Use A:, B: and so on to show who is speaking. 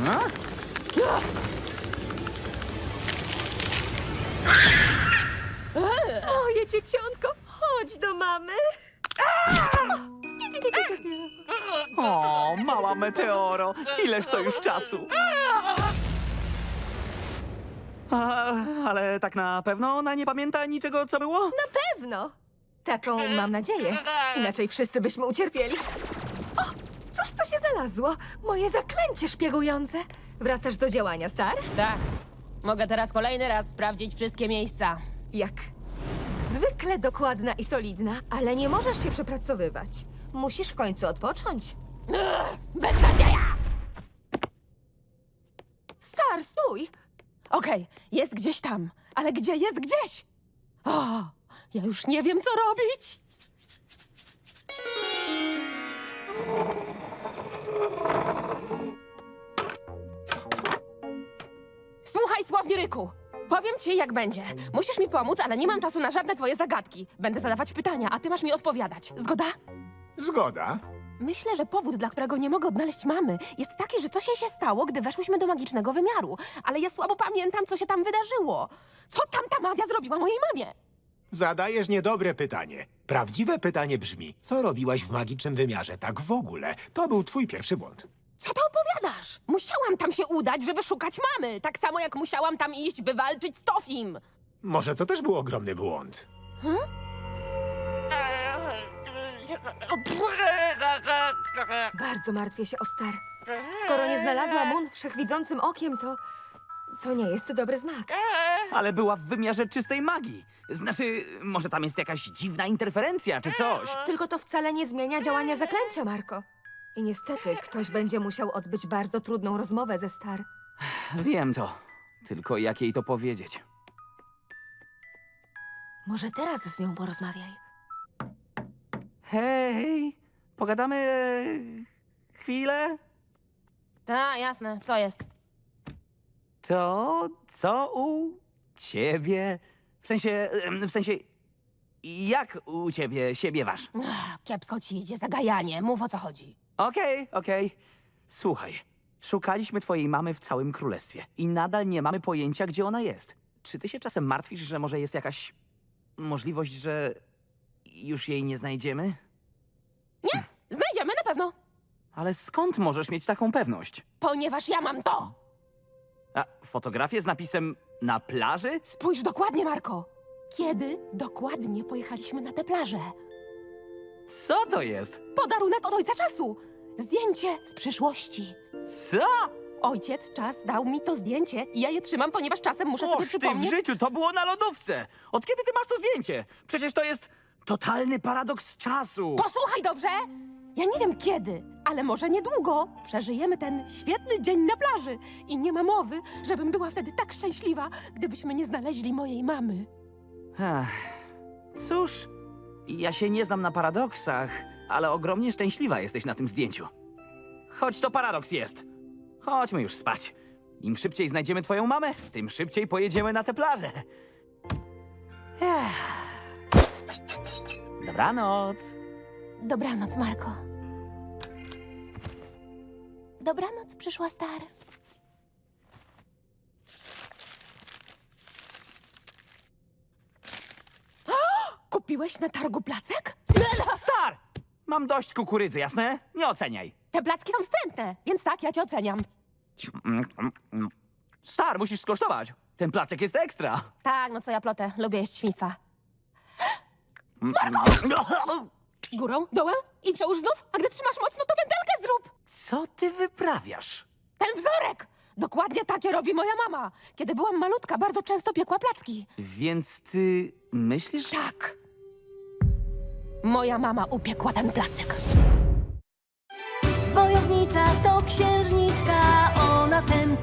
A: No?
B: Moje dzieciątko, chodź do mamy.
A: O, mała meteoro, ileż to już czasu. Ale tak na pewno ona nie pamięta niczego, co było?
B: Na pewno. Taką mam nadzieję. Inaczej wszyscy byśmy ucierpieli. O, cóż to się znalazło? Moje zaklęcie szpiegujące. Wracasz do działania, Star?
C: Tak. Mogę teraz kolejny raz sprawdzić wszystkie miejsca.
B: Jak zwykle dokładna i solidna, ale nie możesz się przepracowywać. Musisz w końcu odpocząć.
C: Beznadzieja!
B: Star, stój!
C: Okej, jest gdzieś tam, ale gdzie jest gdzieś? O, ja już nie wiem, co robić. Słuchaj, Słowniryku. Powiem ci, jak będzie. Musisz mi pomóc, ale nie mam czasu na żadne twoje zagadki. Będę zadawać pytania, a ty masz mi odpowiadać. Zgoda?
D: Zgoda.
C: Myślę, że powód, dla którego nie mogę odnaleźć mamy, jest taki, że coś jej się stało, gdy weszłyśmy do magicznego wymiaru. Ale ja słabo pamiętam, co się tam wydarzyło. Co tam ta magia zrobiła mojej mamie?
D: Zadajesz niedobre pytanie. Prawdziwe pytanie brzmi, co robiłaś w magicznym wymiarze tak w ogóle? To był twój pierwszy błąd.
C: Co ty opowiadasz? Musiałam tam się udać, żeby szukać mamy. Tak samo jak musiałam tam iść, by walczyć z Tofim.
D: Może to też był ogromny błąd.
B: Bardzo martwię się o Star. Skoro nie znalazła Moon wszechwidzącym okiem, to nie jest dobry znak.
A: Ale była w wymiarze czystej magii. Znaczy, może tam jest jakaś dziwna interferencja czy coś.
B: Tylko to wcale nie zmienia działania zaklęcia, Marko. I niestety ktoś będzie musiał odbyć bardzo trudną rozmowę ze Star.
A: Wiem to. Tylko jak jej to powiedzieć?
B: Może teraz z nią porozmawiaj.
A: Hej, pogadamy chwilę?
C: Tak, jasne. Co jest?
A: To co u ciebie? W sensie, jak u ciebie się miewasz?
C: Kiepsko ci idzie zagajanie. Mów, o co chodzi.
A: Okej. Słuchaj, szukaliśmy twojej mamy w całym królestwie i nadal nie mamy pojęcia, gdzie ona jest. Czy ty się czasem martwisz, że może jest jakaś możliwość, że już jej nie znajdziemy?
C: Nie, znajdziemy na pewno.
A: Ale skąd możesz mieć taką pewność?
C: Ponieważ ja mam to.
A: A fotografię z napisem na plaży?
C: Spójrz dokładnie, Marko. Kiedy dokładnie pojechaliśmy na tę plażę?
A: Co to jest?
C: Podarunek od Ojca Czasu. Zdjęcie z przyszłości.
A: Co?
C: Ojciec Czas dał mi to zdjęcie i ja je trzymam, ponieważ czasem muszę sobie
A: Oż ty w
C: przypomnieć...
A: życiu, to było na lodówce! Od kiedy ty masz to zdjęcie? Przecież to jest totalny paradoks czasu!
C: Posłuchaj dobrze! Ja nie wiem kiedy, ale może niedługo przeżyjemy ten świetny dzień na plaży. I nie ma mowy, żebym była wtedy tak szczęśliwa, gdybyśmy nie znaleźli mojej mamy.
A: Ech, cóż, ja się nie znam na paradoksach, ale ogromnie szczęśliwa jesteś na tym zdjęciu. Choć to paradoks jest. Chodźmy już spać. Im szybciej znajdziemy twoją mamę, tym szybciej pojedziemy na tę plażę. Ech. Dobranoc.
C: Dobranoc, Marko. Dobranoc, przyszła Star. Kupiłeś na targu placek?
A: Star! Mam dość kukurydzy, jasne? Nie oceniaj.
C: Te placki są wstrętne, więc tak, ja cię oceniam.
A: Star, musisz skosztować. Ten placek jest ekstra.
C: Tak, no co ja plotę, lubię jeść świństwa. Górą, dołem i przełóż znów, a gdy trzymasz mocno, to pętelkę zrób.
A: Co ty wyprawiasz?
C: Ten wzorek! Dokładnie takie robi moja mama. Kiedy byłam malutka, bardzo często piekła placki.
A: Więc ty myślisz...
C: Tak. Moja mama upiekła ten placek.
E: Wojownicza to księżniczka, ona ten